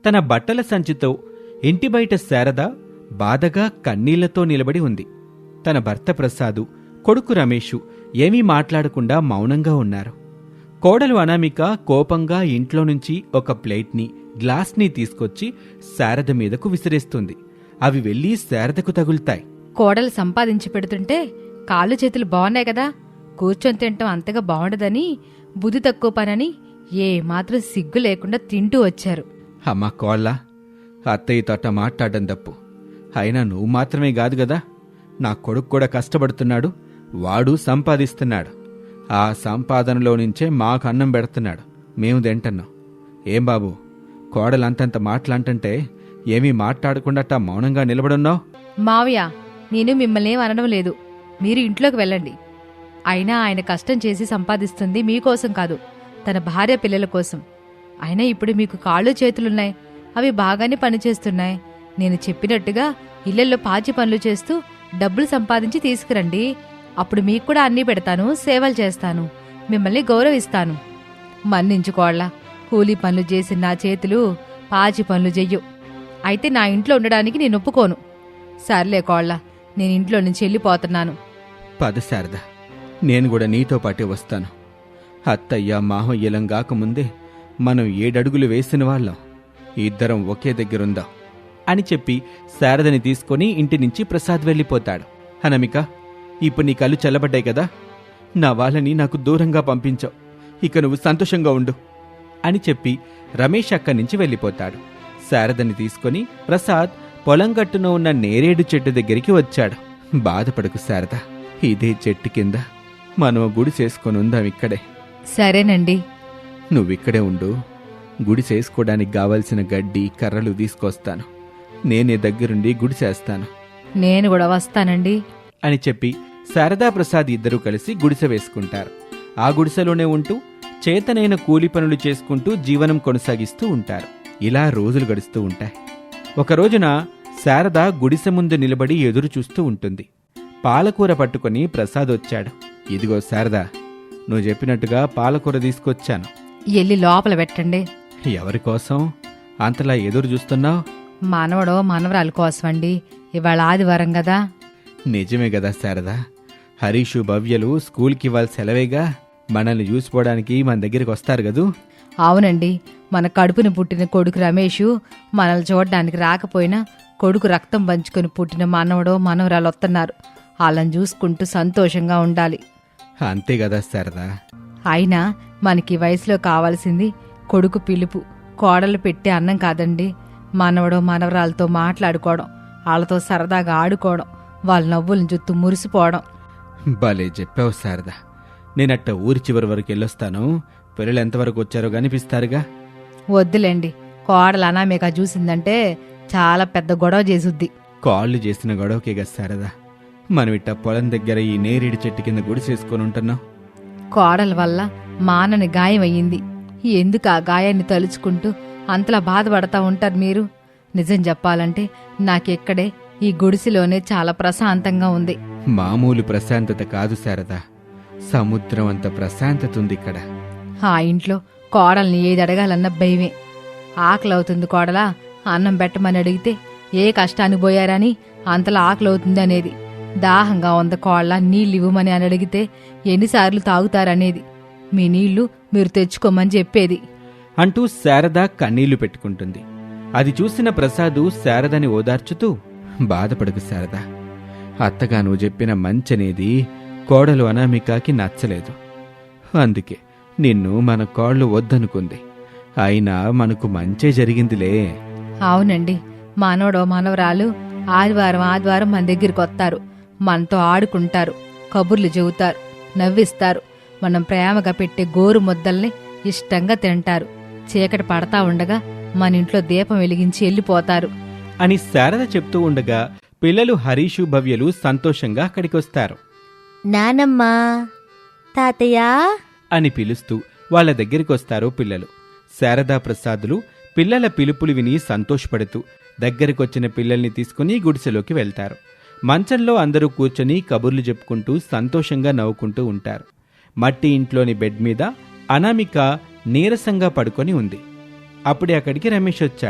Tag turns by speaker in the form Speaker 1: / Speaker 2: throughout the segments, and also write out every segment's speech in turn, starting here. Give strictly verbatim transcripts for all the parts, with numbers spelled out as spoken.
Speaker 1: తన బట్టల సంచితో ఇంటి బయట శారద బాధగా కన్నీళ్లతో నిలబడి ఉంది. తన భర్త ప్రసాదు, కొడుకు రమేషు ఏమీ మాట్లాడకుండా మౌనంగా ఉన్నారు. కోడలు అనామిక కోపంగా ఇంట్లో నుంచి ఒక ప్లేట్ని, గ్లాస్ని తీసుకొచ్చి శారద మీదకు విసిరేస్తుంది. అవి వెళ్లి శారదకు తగులుతాయి.
Speaker 2: కోడలు సంపాదించి పెడుతుంటే కాళ్ళు చేతులు బాగున్నాయి కదా, కూర్చొని తింటాం అంతగా బాగుండదని, బుద్ధి తక్కువ పనని ఏ మాత్రం సిగ్గు లేకుండా తింటూ వచ్చారు.
Speaker 1: అమ్మా కోళ్ళ, అత్తయ్య తోట మాట్లాడడం తప్పు. అయినా నువ్వు మాత్రమే కాదు కదా, నా కొడుకు కూడా కష్టపడుతున్నాడు, వాడు సంపాదిస్తున్నాడు. ఆ సంపాదనలో నుంచే మాకు అన్నం పెడుతున్నాడు, మేము తింటున్నాం. ఏం బాబు, కోడలు అంతంత మాటలంటే ఏమీ మాట్లాడకుండా మౌనంగా నిలబడున్నావు?
Speaker 2: మావయ్య, నేను మిమ్మల్ని ఏం అనడం లేదు, మీరు ఇంట్లోకి వెళ్ళండి. అయినా ఆయన కష్టం చేసి సంపాదిస్తుంది మీకోసం కాదు, తన భార్య పిల్లల కోసం. అయినా ఇప్పుడు మీకు కాళ్ళు చేతులున్నాయి, అవి బాగానే పనిచేస్తున్నాయి. నేను చెప్పినట్టుగా ఇళ్లల్లో పాచి పనులు చేస్తూ డబ్బులు సంపాదించి తీసుకురండి. అప్పుడు మీకు కూడా అన్నీ పెడతాను, సేవలు చేస్తాను, మిమ్మల్ని గౌరవిస్తాను. మన్నించుకోళ్ళ, కూలీ పనులు చేసిన నా చేతులు పాచి పనులు చెయ్యు. అయితే నా ఇంట్లో ఉండడానికి నేను ఒప్పుకోను. సర్లే కోళ్ళ, నేను ఇంట్లో నుంచి వెళ్ళిపోతున్నాను.
Speaker 1: పద శారద, నేను కూడా నీతో పాటే వస్తాను. అత్తయ్య మాహయ్యలం కాకముందే మనం ఏడడుగులు వేసిన వాళ్ళం, ఇద్దరం ఒకే దగ్గరుందాం అని చెప్పి శారదని తీసుకుని ఇంటి నుంచి ప్రసాద్ వెళ్ళిపోతాడు. అనామిక, ఇప్పుడు నీ కళ్ళు చల్లబడ్డాయి కదా, నా వాళ్ళని నాకు దూరంగా పంపించావు, ఇక నువ్వు సంతోషంగా ఉండు అని చెప్పి రమేష్ అక్కడి నుంచి వెళ్ళిపోతాడు. శారదని తీసుకుని ప్రసాద్ పొలం గట్టున ఉన్న నేరేడు చెట్టు దగ్గరికి వచ్చాడు. బాధపడకు శారద, ఇదే చెట్టు కింద మనం గుడి చేసుకొని ఉందాం ఇక్కడే.
Speaker 2: సరేనండి.
Speaker 1: నువ్విక్కడే ఉండు, గుడి చేసుకోవడానికి కావలసిన గడ్డి కర్రలు తీసుకొస్తాను, నేనే దగ్గరుండి గుడి చేస్తాను.
Speaker 2: నేను కూడా వస్తానండి
Speaker 1: అని చెప్పి శారదా ప్రసాద్ ఇద్దరూ కలిసి గుడిసె వేసుకుంటారు. ఆ గుడిసెలోనే ఉంటూ చేతనైన కూలి పనులు చేసుకుంటూ జీవనం కొనసాగిస్తూ ఉంటారు. ఇలా రోజులు గడుస్తూ ఉంటాయి. ఒక రోజున శారద గుడిసె ముందు నిలబడి ఎదురు చూస్తూ ఉంటుంది. పాలకూర పట్టుకుని ప్రసాద్ వచ్చాడు. ఇదిగో శారదా, నువ్వు చెప్పినట్టుగా పాలకూర తీసుకొచ్చాను.
Speaker 2: ఎల్లి లోపల పెట్టండి.
Speaker 1: ఎవరికోసం అంతలా ఎదురు చూస్తున్నావు?
Speaker 2: మనవడో మనవరాలు కోసమండి, ఇవాళ ఆదివారం కదా.
Speaker 1: నిజమే కదా శారదా, హరీషు భవ్యలు స్కూల్కి ఇవాళ సెలవేగా, మనల్ని చూసిపోవడానికి మన దగ్గరికి వస్తారు కదూ.
Speaker 2: అవునండి, మన కడుపుని పుట్టిన కొడుకు రమేషు మనల్ని చూడడానికి రాకపోయినా కొడుకు రక్తం పంచుకొని పుట్టిన మనవడో మనవరాలు వస్తున్నారు. వాళ్ళని చూసుకుంటూ సంతోషంగా ఉండాలి.
Speaker 1: అంతే కదా శారదా.
Speaker 2: అయినా మనకి వయసులో కావాల్సింది కొడుకు పిలుపు, కోడలు పెట్టే అన్నం కాదండి. మనవడో మనవరాలతో మాట్లాడుకోవడం, వాళ్ళతో సరదాగా ఆడుకోవడం, వాళ్ళ నవ్వులను చుట్టూ మురిసిపోవడం.
Speaker 1: భలే చెప్పావు శారదా. నేనట్ట ఊరి చివరి వరకు వెళ్ళొస్తాను, పిల్లలు ఎంతవరకు వచ్చారో కనిపిస్తారుగా.
Speaker 2: వద్దులేండి, కోడలు అనామేక చూసిందంటే చాలా పెద్ద గొడవ చేసుద్ది.
Speaker 1: కాళ్ళు చేసిన గొడవకేగా శారదా మనం ఇట్ట పొలం దగ్గర ఈ నేరేడు చెట్టు కింద గుడి చేసుకొని ఉంటున్నాం.
Speaker 2: కోడల వల్ల మానని గాయం అయ్యింది. ఎందుకు ఆ గాయాన్ని తలుచుకుంటూ అంతలా బాధపడతా ఉంటారు మీరు? నిజం చెప్పాలంటే నాకెక్కడే ఈ గుడిసెలోనే చాలా ప్రశాంతంగా ఉంది.
Speaker 1: మామూలు ప్రశాంతత కాదు శారదా, సముద్రం అంత ప్రశాంతత ఉంది ఇక్కడ.
Speaker 2: ఆ ఇంట్లో కోడల్ని ఏది అడగాలన్న భయమే. ఆకలవుతుంది కోడలా, అన్నం పెట్టమని అడిగితే ఏ కష్టాన్ని పోయారని అంతలా ఆకలవుతుంది అనేది. దాహంగా ఉంది కోళ్ళ, నీళ్ళు ఇవ్వమని అని అడిగితే ఎన్నిసార్లు తాగుతారనేది. మీ నీళ్లు మీరు తెచ్చుకోమని చెప్పేది
Speaker 1: అంటూ శారద కన్నీళ్లు పెట్టుకుంటుంది. అది చూసిన ప్రసాదు శారదని ఓదార్చుతూ, బాధపడకు శారదా, అత్తగా నువ్వు చెప్పిన మంచనేది కోడలు అనామికకి నచ్చలేదు, అందుకే నిన్ను మన కోళ్ళు వద్దనుకుంది. అయినా మనకు మంచే జరిగిందిలే.
Speaker 2: అవునండి, మనవడో మనవరాలు ఆదివారం ఆదివారం మన దగ్గరికి వస్తారు, మనతో ఆడుకుంటారు, కబుర్లు చెబుతారు, నవ్విస్తారు. మనం ప్రేమగా పెట్టే గోరు ముద్దల్ని ఇష్టంగా తింటారు. చీకటి పడతా ఉండగా మన ఇంట్లో దీపం వెలిగించి వెళ్ళిపోతారు
Speaker 1: అని శారద చెప్తూ ఉండగా పిల్లలు హరీషు భవ్యలు సంతోషంగా అక్కడికొస్తారు.
Speaker 3: నానమ్మా, తాతయ్య
Speaker 1: అని పిలుస్తూ వాళ్ల దగ్గరికొస్తారు పిల్లలు. శారదా ప్రసాదులు పిల్లల పిలుపులు విని సంతోషపడుతూ దగ్గరికొచ్చిన పిల్లల్ని తీసుకుని గుడిసెలోకి వెళ్తారు. మంచంలో అందరూ కూర్చొని కబుర్లు చెప్పుకుంటూ సంతోషంగా నవ్వుకుంటూ ఉంటారు. మట్టి ఇంట్లోని బెడ్ మీద అనామిక నీరసంగా పడుకొని ఉంది. అప్పుడే అక్కడికి రమేష్ వచ్చాడు.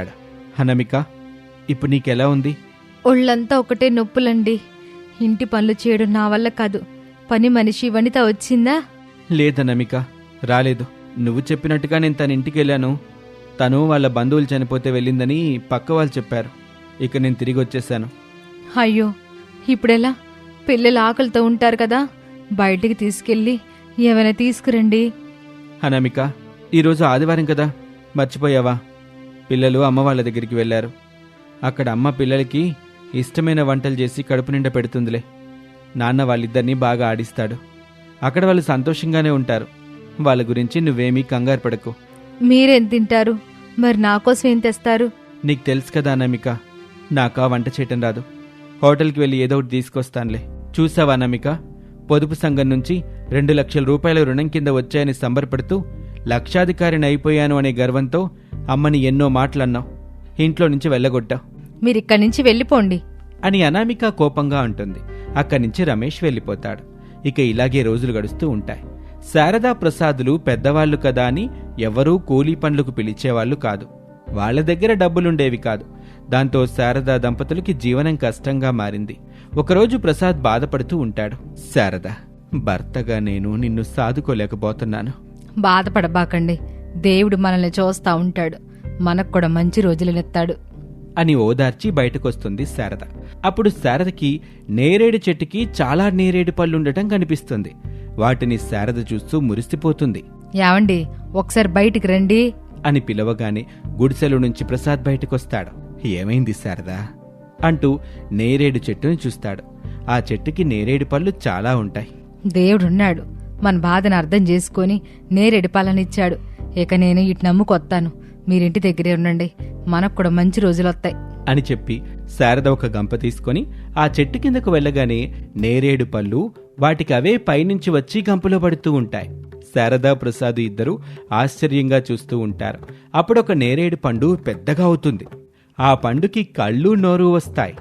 Speaker 1: అనామిక, ఇప్పుడు నీకెలా ఉంది?
Speaker 2: ఒళ్ళంతా ఒకటే నొప్పులండి. ఇంటి పనులు చేయడం నా వల్ల కాదు. పని మనిషి వనిత వచ్చిందా?
Speaker 1: లేదనామిక, రాలేదు. నువ్వు చెప్పినట్టుగా నేను తన ఇంటికి వెళ్ళాను. తను వాళ్ళ బంధువులు చనిపోతే వెళ్ళిందని పక్క వాళ్ళు చెప్పారు. ఇక నేను తిరిగి వచ్చేసాను.
Speaker 2: అయ్యో, ఇప్పుడెలా? పిల్లలు ఆకలితో ఉంటారు కదా, బయటికి తీసుకెళ్ళి ఏమైనా తీసుకురండి.
Speaker 1: అనామిక, ఈరోజు ఆదివారం కదా, మర్చిపోయావా? పిల్లలు అమ్మ వాళ్ళ దగ్గరికి వెళ్ళారు. అక్కడ అమ్మ పిల్లలకి ఇష్టమైన వంటలు చేసి కడుపు నిండా పెడుతుందిలే. నాన్న వాళ్ళిద్దరినీ బాగా ఆడిస్తాడు. అక్కడ వాళ్ళు సంతోషంగానే ఉంటారు. వాళ్ళ గురించి నువ్వేమీ కంగారు పడకు.
Speaker 2: మీరేం తింటారు? మరి నా కోసం ఏం తెస్తారు?
Speaker 1: నీకు తెలుసు కదా అనామిక, నాకా వంట చేయటం రాదు. హోటల్కి వెళ్ళి ఏదో ఒకటి తీసుకొస్తానులే. చూసావా అనామిక, పొదుపు సంఘం నుంచి రెండు లక్షల రూపాయల రుణం కింద వచ్చాయని సంబరపడుతూ లక్షాధికారిని అయిపోయాను అనే గర్వంతో అమ్మని ఎన్నో మాటలన్నావు. ఇంట్లో నుంచి వెళ్ళగొట్టావు.
Speaker 2: మీరిక్కడి నుంచి వెళ్ళిపోండి
Speaker 1: అని అనామిక కోపంగా అంటుంది. అక్కడి నుంచి రమేష్ వెళ్ళిపోతాడు. ఇక ఇలాగే రోజులు గడుస్తూ ఉంటాయి. శారదా ప్రసాదులు పెద్దవాళ్లు కదా అని ఎవరూ కూలీ పనులకు పిలిచేవాళ్లు కాదు. వాళ్ల దగ్గర డబ్బులుండేవి కాదు. దాంతో శారదా దంపతులకి జీవనం కష్టంగా మారింది. ఒకరోజు ప్రసాద్ బాధపడుతూ ఉంటాడు. శారదా, భర్తగా నేను నిన్ను సాదుకోలేకపోతున్నాను.
Speaker 2: బాధపడబాకండి, దేవుడు మనల్ని చూస్తా ఉంటాడు. మనకు కూడా మంచి రోజులనెత్తాడు
Speaker 1: అని ఓదార్చి బయటకొస్తుంది శారద. అప్పుడు శారదకి నేరేడు చెట్టుకి చాలా నేరేడు పళ్ళుండటం కనిపిస్తుంది. వాటిని శారద చూస్తూ మురిసిపోతుంది.
Speaker 2: యావండి, ఒకసారి బయటికి రండి
Speaker 1: అని పిలవగానే గుడిసెల నుంచి ప్రసాద్ బయటకొస్తాడు. ఏమైంది శారదా అంటూ నేరేడు చెట్టుని చూస్తాడు. ఆ చెట్టుకి నేరేడు పళ్ళు చాలా ఉంటాయి.
Speaker 2: దేవుడున్నాడు, మన బాధను అర్థం చేసుకుని నేరేడు పళ్ళనిచ్చాడు. ఇక నేను ఇటు నమ్ముకొత్తాను. మీరింటి దగ్గరే ఉండండి, మనకు కూడా మంచి రోజులొత్తాయి
Speaker 1: అని చెప్పి శారద ఒక గంప తీసుకొని ఆ చెట్టు కిందకు వెళ్ళగానే నేరేడు పళ్ళు వాటికి అవే పైనుంచి వచ్చి గంపలో పడుతూ ఉంటాయి. శారదా ప్రసాద్ ఇద్దరూ ఆశ్చర్యంగా చూస్తూ ఉంటారు. అప్పుడొక నేరేడు పండు పెద్దగా అవుతుంది. ఆ పండుకి కళ్ళు నోరు వస్తాయి.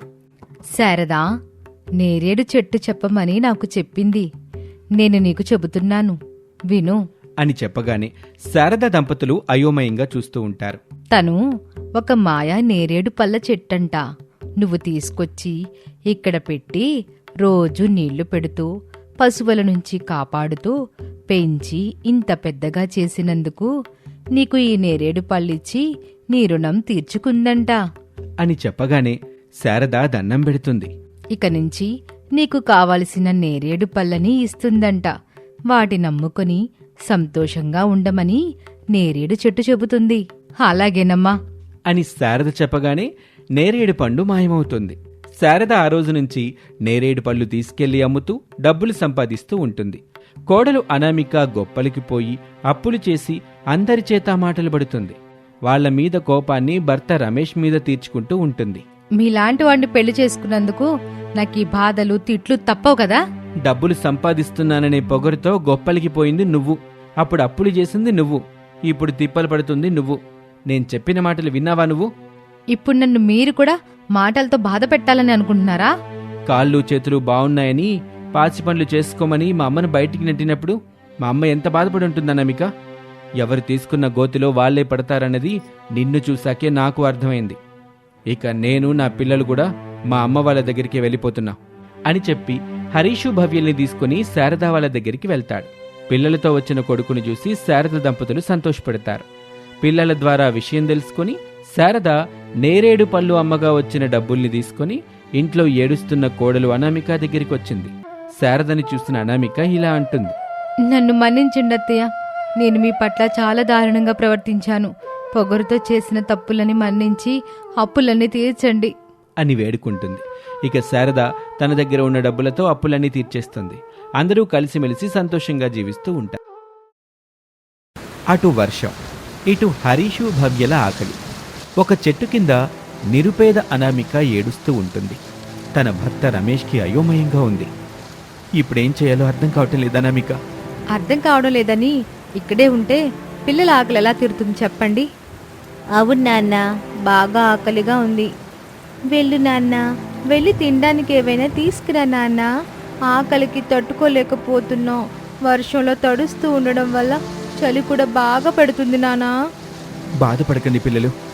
Speaker 2: శారదా, నేరేడు చెట్టు చెప్పమని నాకు చెప్పింది. నేను నీకు చెబుతున్నాను, విను
Speaker 1: అని చెప్పగానే శారద దంపతులు అయోమయంగా చూస్తూ ఉంటారు.
Speaker 2: తను ఒక మాయా నేరేడు పళ్ళ చెట్టంట. నువ్వు తీసుకొచ్చి ఇక్కడ పెట్టి రోజు నీళ్లు పెడుతూ పశువుల నుంచి కాపాడుతూ పెంచి ఇంత పెద్దగా చేసినందుకు నీకు ఈ నేరేడు పళ్ళిచ్చి నీ రుణం తీర్చుకుందంట
Speaker 1: అని చెప్పగానే శారద దన్నం పెడుతుంది.
Speaker 2: ఇక నుంచి నీకు కావలసిన నేరేడు పళ్ళని ఇస్తుందంట. వాటి నమ్ముకొని సంతోషంగా ఉండమని నేరేడు చెట్టు చెబుతుంది. అలాగేనమ్మా
Speaker 1: అని శారద చెప్పగానే నేరేడు పండు మాయమవుతుంది. శారద ఆ రోజు నుంచి నేరేడు పళ్ళు తీసుకెళ్లి అమ్ముతూ డబ్బులు సంపాదిస్తూ ఉంటుంది. కోడలు అనామిక గొప్పలికి పోయి అప్పులు చేసి అందరి చేత మాటలు పడుతుంది. వాళ్ల మీద కోపాన్ని భర్త రమేష్ మీద తీర్చుకుంటూ ఉంటుంది.
Speaker 2: మీలాంటి వాడిని పెళ్లి చేసుకున్నందుకు నాకు ఈ బాధలు తిట్లు తప్పవు కదా.
Speaker 1: డబ్బులు సంపాదిస్తున్నాననే పొగరుతో గొప్పలికి పోయింది నువ్వు. అప్పుడు అప్పులు చేసింది నువ్వు. ఇప్పుడు తిప్పలు పడుతుంది నువ్వు. నేను చెప్పిన మాటలు విన్నావా నువ్వు?
Speaker 2: ఇప్పుడు నన్ను మీరు కూడా మాటలతో బాధ పెట్టాలని అనుకుంటున్నారా?
Speaker 1: కాళ్ళు చేతులు బాగున్నాయని పాచి పనులు చేసుకోమని మా అమ్మను బయటికి నెట్టినప్పుడు మా అమ్మ ఎంత బాధపడి ఉంటుందన్నమిక. ఎవరు తీసుకున్న గోతిలో వాళ్లే పడతారన్నది నిన్ను చూశాకే నాకు అర్థమైంది. ఇక నేను నా పిల్లలు కూడా మా అమ్మ వాళ్ళ దగ్గరికి వెళ్ళిపోతున్నా అని చెప్పి హరీషు భవ్యల్ని తీసుకుని శారద వాళ్ళ దగ్గరికి వెళ్తాడు. పిల్లలతో వచ్చిన కొడుకుని చూసి శారద దంపతులు సంతోషపడతారు. పిల్లల ద్వారా విషయం తెలుసుకుని శారద నేరేడు పళ్ళు అమ్మగా వచ్చిన డబ్బుల్ని తీసుకుని ఇంట్లో ఏడుస్తున్న కోడలు అనామిక దగ్గరికి వచ్చింది. శారదని చూసిన అనామిక ఇలా అంటుంది.
Speaker 2: నన్ను మన్నించండి అత్తయ్య, నేను మీ పట్ల చాలా దారుణంగా ప్రవర్తించాను. పొగరుతో చేసిన తప్పులని మన్నించి అప్పులన్నీ తీర్చండి
Speaker 1: అని వేడుకుంటుంది. ఇక శారద తన దగ్గర ఉన్న డబ్బులతో అప్పులన్నీ తీర్చేస్తుంది. అందరూ కలిసిమెలిసి సంతోషంగా జీవిస్తూ ఉంటారు. అటు వర్షం, ఇటు హరీషు భవ్యల ఆకలి. ఒక చెట్టు కింద నిరుపేద అనామిక ఏడుస్తూ ఉంటుంది. తన భర్త రమేష్కి అయోమయంగా ఉంది. ఇప్పుడేం చేయాలో అర్థం కావటం లేదు అనామిక.
Speaker 2: అర్థం కావడం లేదని ఇక్కడే ఉంటే పిల్లల ఆకలి ఎలా తీరుతుంది చెప్పండి?
Speaker 3: అవును నాన్న, బాగా ఆకలిగా ఉంది. వెళ్ళు నాన్న, వెళ్ళి తినడానికి ఏవైనా తీసుకురా నాన్న. ఆకలికి తట్టుకోలేకపోతున్నాం. వర్షంలో తడుస్తూ ఉండడం వల్ల చలి కూడా బాగా పెడుతుంది నాన్న.
Speaker 1: బాధపడకండి పిల్లలు,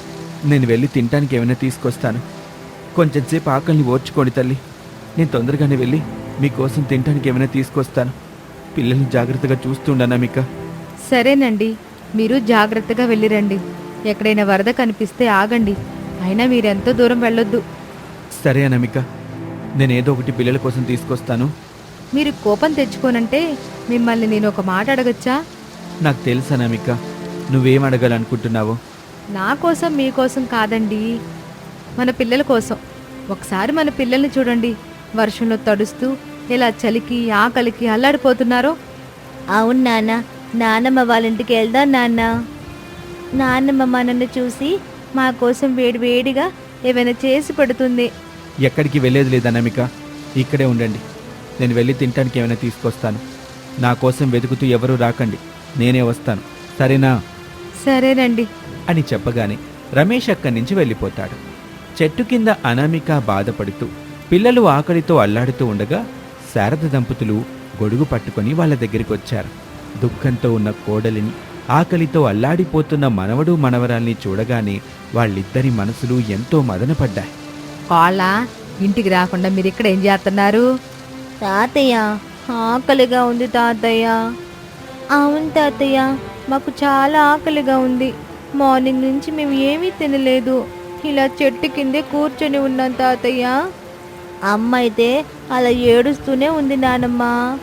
Speaker 1: నేను వెళ్ళి తినటానికి ఏమైనా తీసుకొస్తాను. కొంచెం సేపు ఆకలిని ఓర్చుకోండి తల్లి. నేను తొందరగానే వెళ్ళి మీకోసం తినటానికి ఏమైనా తీసుకొస్తాను. పిల్లల్ని జాగ్రత్తగా చూస్తుండనా అనామిక.
Speaker 2: సరేనండి, మీరు జాగ్రత్తగా వెళ్ళిరండి. ఎక్కడైనా వరద కనిపిస్తే ఆగండి. అయినా మీరెంతో దూరం వెళ్ళొద్దు.
Speaker 1: సరే అనామిక, నేనేదో ఒకటి పిల్లల కోసం తీసుకొస్తాను.
Speaker 2: మీరు కోపం తెచ్చుకోనంటే మిమ్మల్ని నేను ఒక మాట అడగచ్చా?
Speaker 1: నాకు తెలుసు అనామిక, నువ్వేం అడగాలనుకుంటున్నావో.
Speaker 2: నా కోసం మీకోసం కాదండి, మన పిల్లల కోసం. ఒకసారి మన పిల్లల్ని చూడండి, వర్షంలో తడుస్తూ ఇలా చలికి ఆకలికి అల్లాడిపోతున్నారో.
Speaker 3: అవును నాన్న, నాన్నమ్మ వాళ్ళ ఇంటికి వెళ్దాం నాన్న. నాన్నమ్మ మనల్ని చూసి మా కోసం వేడి వేడిగా ఏమైనా చేసి పెడుతుంది.
Speaker 1: ఎక్కడికి వెళ్ళేది లేదు అనామిక, ఇక్కడే ఉండండి. నేను వెళ్ళి తినటానికి ఏమైనా తీసుకొస్తాను. నా కోసం వెతుకుతూ ఎవరూ రాకండి, నేనే వస్తాను, సరేనా?
Speaker 2: సరేనండి
Speaker 1: అని చెప్పగానే రమేష్ అక్కడి నుంచి వెళ్ళిపోతాడు. చెట్టు కింద అనామిక బాధపడుతూ పిల్లలు ఆకలితో అల్లాడుతూ ఉండగా శారద దంపతులు గొడుగు పట్టుకొని వాళ్ళ దగ్గరికి వచ్చారు. దుఃఖంతో ఉన్న కోడలిని, ఆకలితో అల్లాడిపోతున్న మనవడు మనవరాల్ని చూడగానే వాళ్ళిద్దరి మనసులు ఎంతో మదనపడ్డాయి.
Speaker 2: కోళ్ళ, ఇంటికి రాకుండా మీరు ఇక్కడ ఏం చేస్తున్నారు?
Speaker 3: తాతయ్య, ఆకలిగా ఉంది తాతయ్య. అవును తాతయ్య, మాకు చాలా ఆకలిగా ఉంది. మార్నింగ్ నుంచి మేము ఏమీ తినలేదు. ఇలా చెట్టు కిందే కూర్చొని ఉన్నాం తాతయ్య. అమ్మ అయితే అలా ఏడుస్తూనే ఉంది నానమ్మ.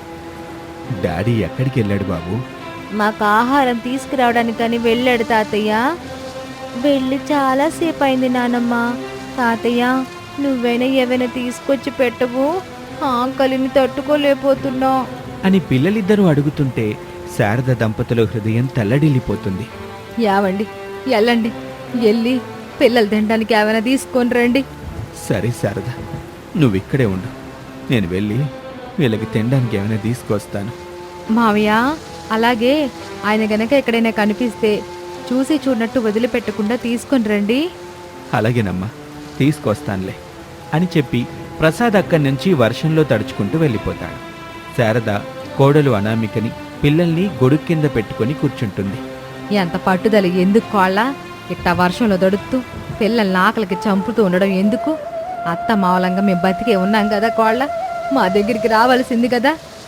Speaker 1: డాడీ ఎక్కడికి వెళ్ళాడు బాబు?
Speaker 3: మాకు ఆహారం తీసుకురావడానికని వెళ్ళాడు తాతయ్య. వెళ్ళి చాలాసేపు అయింది నానమ్మ. తాతయ్య, నువ్వైనా ఏవైనా తీసుకొచ్చి పెట్టవు, ఆకలిని తట్టుకోలేకపోతున్నావు
Speaker 1: అని పిల్లలిద్దరూ అడుగుతుంటే శారద దంపతుల హృదయం తల్లడిల్లిపోతుంది.
Speaker 2: యావండి, వెళ్ళండి, వెళ్ళి పిల్లలు తినడానికి ఏమైనా తీసుకొని రండి.
Speaker 1: సరే శారద, నువ్విక్కడే ఉండు, నేను వెళ్ళి వీళ్ళకి తినడానికి ఏమైనా తీసుకొస్తాను.
Speaker 2: మావయ్య, అలాగే ఆయన గనక ఎక్కడైనా కనిపిస్తే చూసి చూడనట్టు వదిలిపెట్టకుండా తీసుకొని రండి.
Speaker 1: అలాగేనమ్మా, తీసుకొస్తానులే అని చెప్పి ప్రసాద్ అక్కడి నుంచి వర్షంలో తడుచుకుంటూ వెళ్ళిపోతాడు. శారద కోడలు అనామికని, పిల్లల్ని గొడుగు కింద పెట్టుకొని కూర్చుంటుంది.
Speaker 2: ఎంత పట్టుదల ఎందుకు కోళ్ళ? ఇట్టా వర్షంలో దొడుకుతూ పిల్లల్ని ఆకలికి చంపుతూ ఉండడం ఎందుకు? అత్త మావలంగా మేము బతికే ఉన్నాం కదా కోళ్ళ, మా దగ్గరికి రావాల్సింది కదా.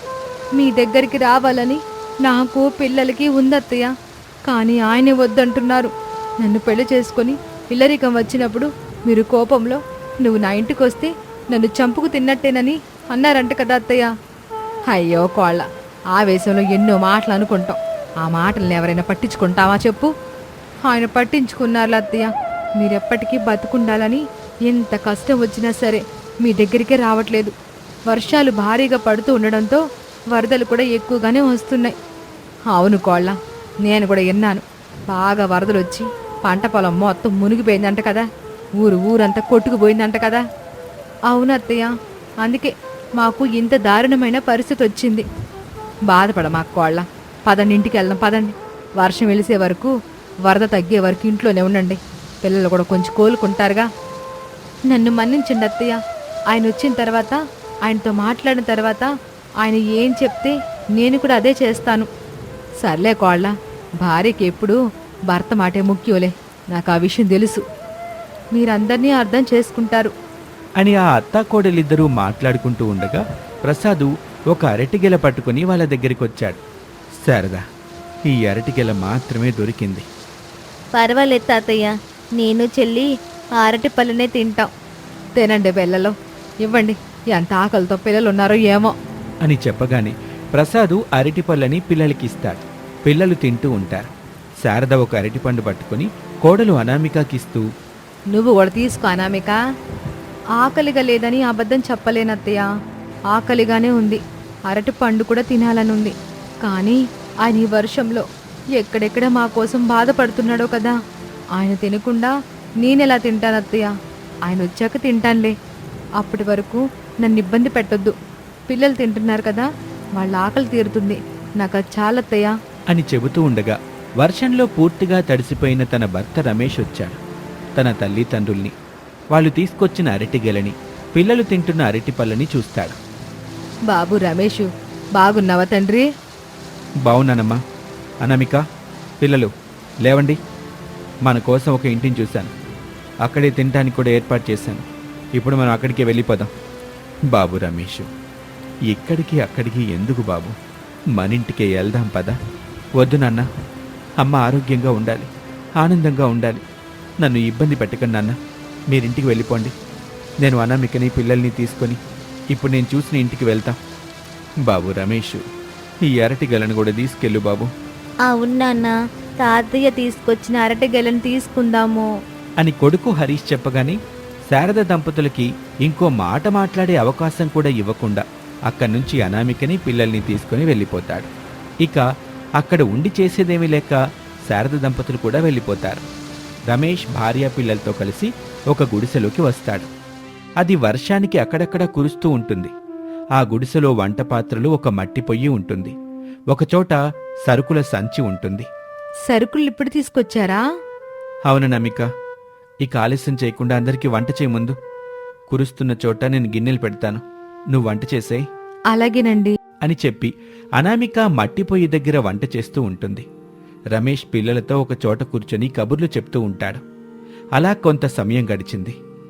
Speaker 2: మీ దగ్గరికి రావాలని నాకు పిల్లలకి ఉందత్తయ్య, కానీ ఆయనే వద్దంటున్నారు. నన్ను పెళ్లి చేసుకొని ఇల్లరికం వచ్చినప్పుడు మీరు కోపంలో నువ్వు నా ఇంటికి వస్తే నన్ను చంపుకు తిన్నట్టేనని అన్నారంట కదా అత్తయ్య. అయ్యో కోళ్ళ, ఆవేశంలో ఎన్నో మాటలు అనుకుంటాం. ఆ మాటల్ని ఎవరైనా పట్టించుకుంటావా చెప్పు? ఆయన పట్టించుకున్నారు అత్తయ్య. మీరెప్పటికీ బతుకుండాలని ఎంత కష్టం వచ్చినా సరే మీ దగ్గరికే రావట్లేదు. వర్షాలు భారీగా పడుతూ ఉండడంతో వరదలు కూడా ఎక్కువగానే వస్తున్నాయి. అవును కోళ్ళ, నేను కూడా విన్నాను. బాగా వరదలు వచ్చి పంట పొలం మొత్తం మునిగిపోయిందంట కదా, ఊరు ఊరంతా కొట్టుకుపోయిందంట కదా. అవును అత్తయ్య, అందుకే మాకు ఇంత దారుణమైన పరిస్థితి వచ్చింది. బాధపడ మాకు కోళ్ళ, పదండి ఇంటికి వెళ్దాం, పదండి. వర్షం వెలిసే వరకు, వరద తగ్గే వరకు ఇంట్లోనే ఉండండి. పిల్లలు కూడా కొంచెం కోలుకుంటారుగా. నన్ను మన్నించండి అత్తయ్య. ఆయన వచ్చిన తర్వాత, ఆయనతో మాట్లాడిన తర్వాత ఆయన ఏం చెప్తే నేను కూడా అదే చేస్తాను. సర్లే కోళ్ళ, భార్యకి ఎప్పుడు భర్త మాటే ముఖ్యంలే, నాకు ఆ విషయం తెలుసు. మీరందరినీ అర్థం చేసుకుంటారు
Speaker 1: అని ఆ అత్తాకోడలిద్దరూ మాట్లాడుకుంటూ ఉండగా ప్రసాదు ఒక అరటిగెల పట్టుకుని వాళ్ళ దగ్గరికి వచ్చాడు. శారదా, ఈ అరటిగెల మాత్రమే దొరికింది.
Speaker 3: పర్వాలేదు తాతయ్య, నేను చెల్లి ఆ అరటి పళ్ళనే తింటాం.
Speaker 2: తినండి పిల్లలు, ఇవ్వండి. ఎంత ఆకలితో పిల్లలు ఉన్నారో ఏమో
Speaker 1: అని చెప్పగానే ప్రసాదు అరటిపళ్ళని పిల్లలకిస్తాడు. పిల్లలు తింటూ ఉంటారు. శారద ఒక అరటిపండు పట్టుకుని కోడలు అనామికకిస్తూ,
Speaker 2: నువ్వు కూడా తీసుకో అనామిక. ఆకలిగా లేదని అబద్ధం చెప్పలేనత్తయ్య, ఆకలిగానే ఉంది. అరటి పండు కూడా తినాలనుంది. కానీ ఆయన ఈ వర్షంలో ఎక్కడెక్కడ మా కోసం బాధపడుతున్నాడో కదా. ఆయన తినకుండా నేనెలా తింటానత్తయ్య? ఆయన వచ్చాక తింటానులే. అప్పటి వరకు నన్ను ఇబ్బంది పెట్టొద్దు. పిల్లలు తింటున్నారు కదా, వాళ్ళ ఆకలి తీరుతుంది. నాకు అది చాలత్తయ్య
Speaker 1: అని చెబుతూ ఉండగా వర్షంలో పూర్తిగా తడిసిపోయిన తన భర్త రమేష్ వచ్చాడు. తన తల్లిదండ్రుల్ని, వాళ్ళు తీసుకొచ్చిన అరటిగెలని, పిల్లలు తింటున్న అరటిపళ్ళని చూస్తాడు.
Speaker 2: బాబు రమేషు, బాగున్నావా తండ్రి?
Speaker 1: బావున్నానమ్మా. అనామిక, పిల్లలు లేవండి, మన కోసం ఒక ఇంటిని చూశాను. అక్కడే తినడానికి కూడా ఏర్పాటు చేశాను. ఇప్పుడు మనం అక్కడికే వెళ్ళిపోదాం. బాబు రమేష్, ఇక్కడికి అక్కడికి ఎందుకు బాబు, మన ఇంటికే వెళ్దాం పదా. వద్దు నాన్న, అమ్మ ఆరోగ్యంగా ఉండాలి, ఆనందంగా ఉండాలి. నన్ను ఇబ్బంది పెట్టకండి నాన్న, మీరింటికి వెళ్ళిపోండి. నేను అనామికని పిల్లల్ని తీసుకొని ఇప్పుడు నేను చూసిన ఇంటికి వెళ్తాం. బాబు రమేష్, ఈ అరటి గలను కూడా తీసుకెళ్ళు బాబు
Speaker 3: అవును నాన్న, తాతయ్య తీసుకొచ్చిన అరటి గెలను తీసుకుందాము.
Speaker 1: అని కొడుకు హరీష్ చెప్పగానే శారద దంపతులకి ఇంకో మాట మాట్లాడే అవకాశం కూడా ఇవ్వకుండా అక్కడి నుంచి అనామికని పిల్లల్ని తీసుకుని వెళ్ళిపోతాడు. ఇక అక్కడ ఉండి చేసేదేమీ లేక శారద దంపతులు కూడా వెళ్ళిపోతారు. రమేష్ భార్య పిల్లలతో కలిసి ఒక గుడిసెలోకి వస్తాడు. అది వర్షానికి అక్కడక్కడ కురుస్తూ ఉంటుంది. ఆ గుడిసెలో వంట పాత్రలు, ఒక మట్టి పొయ్యి ఉంటుంది. ఒకచోట సరుకుల సంచి ఉంటుంది.
Speaker 2: సరుకులు ఇప్పుడు తీసుకొచ్చారా?
Speaker 1: అవును నమిక, ఇక ఆలస్యం చేయకుండా అందరికీ వంట చేయ ముందు. కురుస్తున్న చోట నేను గిన్నెలు పెడతాను, నువ్వు వంట చేసేయ్
Speaker 2: అలాగేనండి
Speaker 1: అని చెప్పి అనామిక మట్టి పొయ్యి దగ్గర వంట చేస్తూ ఉంటుంది. రమేష్ పిల్లలతో ఒక చోట కూర్చొని కబుర్లు చెప్తూ ఉంటాడు. అలా కొంత సమయం గడిచింది.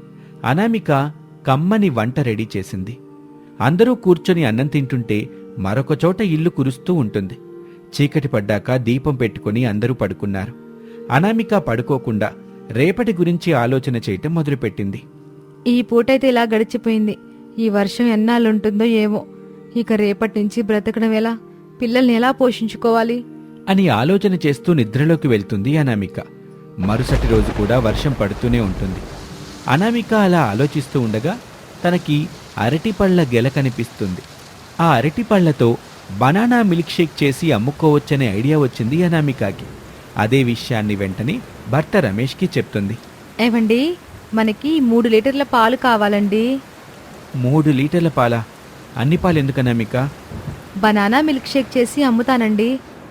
Speaker 1: అనామిక కమ్మని వంట రెడీ చేసింది. అందరూ కూర్చొని అన్నం తింటుంటే మరొక చోట ఇల్లు కురుస్తూ ఉంటుంది. చీకటి పడ్డాక దీపం పెట్టుకుని అందరూ పడుకున్నారు. అనామిక పడుకోకుండా రేపటి గురించి ఆలోచన చేయటం మొదలుపెట్టింది.
Speaker 2: ఈ పూటైతే ఇలా గడిచిపోయింది. ఈ వర్షం ఎన్నాళ్ళుంటుందో ఏమో. ఇక రేపటి నుంచి బ్రతకడం ఎలా? పిల్లల్ని ఎలా పోషించుకోవాలి
Speaker 1: అని ఆలోచన చేస్తూ నిద్రలోకి వెళ్తుంది అనామిక. మరుసటి రోజు కూడా వర్షం పడుతూనే ఉంటుంది. అనామిక అలా ఆలోచిస్తూ ఉండగా తనకి అరటిపళ్ల గెల కనిపిస్తుంది. ఆ అరటిపళ్లతో బనానా మిల్క్ షేక్ చేసి అమ్ముకోవచ్చనే ఐడియా వచ్చింది అనామికకి. అదే విషయాన్ని వెంటనే భర్త రమేష్కి చెప్తుంది.
Speaker 2: ఏవండి, మనకి మూడు లీటర్ల పాలు కావాలండి.
Speaker 1: మూడు లీటర్ల పాలా? అన్ని పాలు ఎందుకు అనామిక?
Speaker 2: బనానా మిల్క్ షేక్ చేసి అమ్ముతానండి.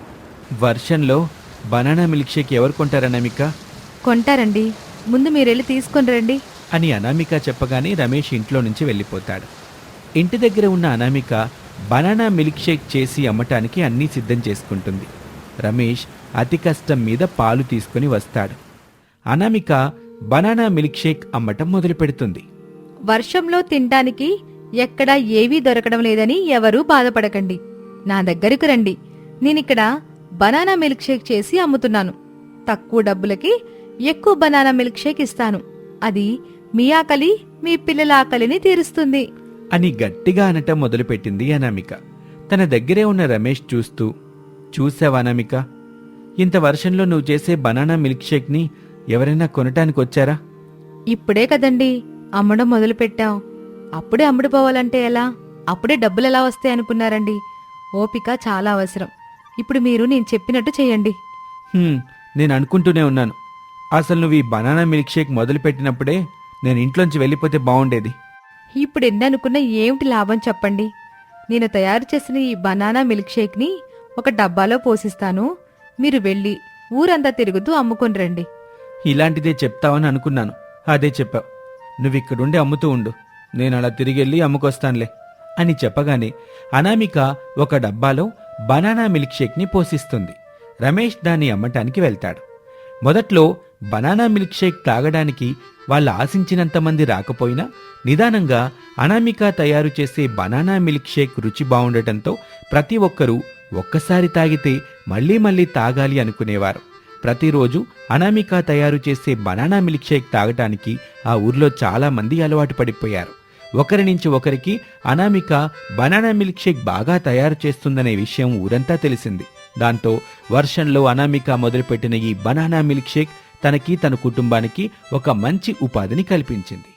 Speaker 1: వర్షంలో బనానా మిల్క్ షేక్ ఎవరు కొంటారనామిక?
Speaker 2: కొంటారండి, ముందు మీరెళ్ళి తీసుకొని రండి
Speaker 1: అని అనామిక చెప్పగానే రమేష్ ఇంట్లో నుంచి వెళ్ళిపోతాడు. ఇంటి దగ్గర ఉన్న అనామిక బనానా మిల్క్ షేక్ చేసి అమ్మటానికి అన్నీ సిద్ధం చేసుకుంటుంది. రమేష్ అతి కష్టం మీద పాలు తీసుకుని వస్తాడు. అనామిక బనానా మిల్క్ షేక్ అమ్మటం మొదలు పెడుతుంది.
Speaker 2: వర్షంలో తినటానికి ఎక్కడా ఏవీ దొరకడం లేదని ఎవరూ బాధపడకండి. నా దగ్గరకు రండి. నేనిక్కడ బనానా మిల్క్ షేక్ చేసి అమ్ముతున్నాను. తక్కువ డబ్బులకి ఎక్కువ బనానా మిల్క్ షేక్ ఇస్తాను. అది మీ ఆకలి, మీ పిల్లల ఆకలిని తీరుస్తుంది
Speaker 1: అని గట్టిగా అనటం మొదలుపెట్టింది అనామిక. తన దగ్గరే ఉన్న రమేష్ చూస్తూ, చూసావా అనామిక, ఇంత వర్షంలో నువ్వు చేసే బనానా మిల్క్ షేక్ని ఎవరైనా కొనటానికి వచ్చారా?
Speaker 2: ఇప్పుడే కదండి అమ్మడం మొదలుపెట్టాం. అప్పుడే అమ్ముడుపోవాలంటే ఎలా? అప్పుడే డబ్బులు ఎలా వస్తాయి అనుకున్నారండి? ఓపిక చాలా అవసరం. ఇప్పుడు మీరు నేను చెప్పినట్టు చేయండి.
Speaker 1: "హ్మ్, నేను అనుకుంటూనే ఉన్నాను. అసలు నువ్వు ఈ బనానా మిల్క్ షేక్ మొదలుపెట్టినప్పుడే నేను ఇంట్లోంచి వెళ్ళిపోతే బాగుండేది."
Speaker 2: ఇప్పుడు ఎన్ని అనుకున్నా ఏమిటి లాభం చెప్పండి? నేను తయారు చేసిన ఈ బనానా మిల్క్ షేక్ని ఒక డబ్బాలో పోసిస్తాను. మీరు వెళ్ళి ఊరంతా తిరుగుతూ అమ్ముకొని రండి.
Speaker 1: ఇలాంటిదే చెప్తావని అనుకున్నాను. అదే చెప్పావు. నువ్విక్కడుండి అమ్ముతూ ఉండు, నేను అలా తిరిగెళ్ళి అమ్ముకొస్తానులే అని చెప్పగానే అనామిక ఒక డబ్బాలో బనానా మిల్క్ షేక్ని పోసిస్తుంది. రమేష్ దాన్ని అమ్మటానికి వెళ్తాడు. మొదట్లో బనానా మిల్క్ షేక్ తాగడానికి వాళ్ళు ఆశించినంత మంది రాకపోయినా నిదానంగా అనామిక తయారు చేసే బనానా మిల్క్ షేక్ రుచి బావుండటంతో ప్రతి ఒక్కరూ ఒక్కసారి తాగితే మళ్లీ మళ్లీ తాగాలి అనుకునేవారు. ప్రతిరోజు అనామిక తయారు చేసే బనానా మిల్క్ షేక్ తాగటానికి ఆ ఊర్లో చాలా మంది అలవాటు పడిపోయారు. ఒకరి నుంచి ఒకరికి అనామిక బనానా మిల్క్ షేక్ బాగా తయారు చేస్తుందనే విషయం ఊరంతా తెలిసింది. దాంతో వర్షంలో అనామిక మొదలుపెట్టిన ఈ బనానా మిల్క్ షేక్ తనకి, తన కుటుంబానికి ఒక మంచి ఉపాధిని కల్పించింది.